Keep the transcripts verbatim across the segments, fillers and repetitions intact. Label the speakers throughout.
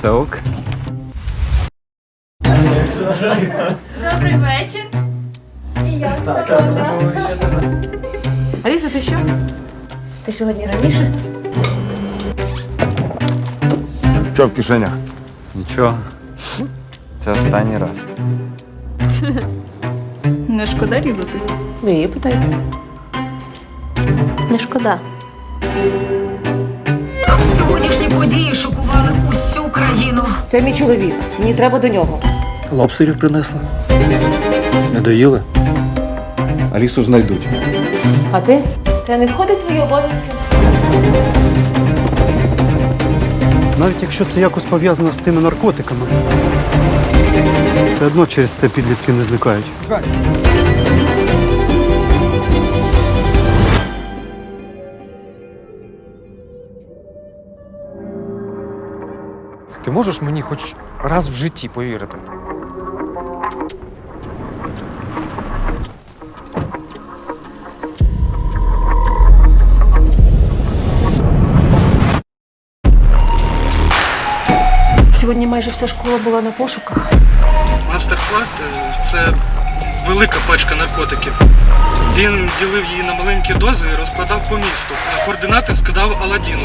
Speaker 1: Все ок.
Speaker 2: Добрий вечір. І я свободна.
Speaker 3: Аліса, це що? Ти сьогодні раніше?
Speaker 4: Що в кишенях?
Speaker 1: Нічого. Це останній раз.
Speaker 2: Не шкода різати?
Speaker 3: Ви її питайте. Не шкода.
Speaker 5: Сьогоднішні події шокували усю країну.
Speaker 3: Це мій чоловік. Мені треба до нього.
Speaker 6: Лобстерів принесла. Не доїли?
Speaker 4: Алісу знайдуть.
Speaker 3: А ти? Це не входить в твої обов'язки?
Speaker 7: Навіть якщо це якось пов'язано з тими наркотиками, все одно через це підлітки не зникають.
Speaker 6: Ти можеш мені хоч раз в житті повірити?
Speaker 8: Сьогодні майже вся школа була на пошуках.
Speaker 9: Мастер-клад – це велика пачка наркотиків. Він ділив її на маленькі дози і розкладав по місту. На координати скидав Аладдіну.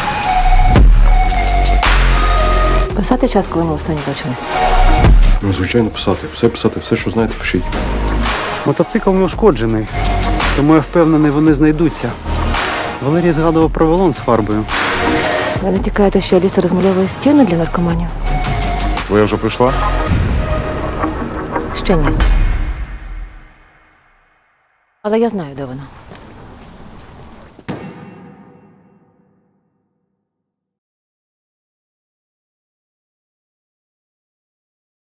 Speaker 3: Писати час, коли ми останні бачились.
Speaker 4: Ну, звичайно, писати. Все писати, все, що знаєте, пишіть.
Speaker 7: Мотоцикл не ушкоджений, тому я впевнений, вони знайдуться. Валерій згадував про валон з фарбою.
Speaker 3: Ви не тікаєте, що Аліса розмальовує стіни для наркоманів?
Speaker 4: Твоя вже прийшла?
Speaker 3: Ще ні. Але я знаю, де вона.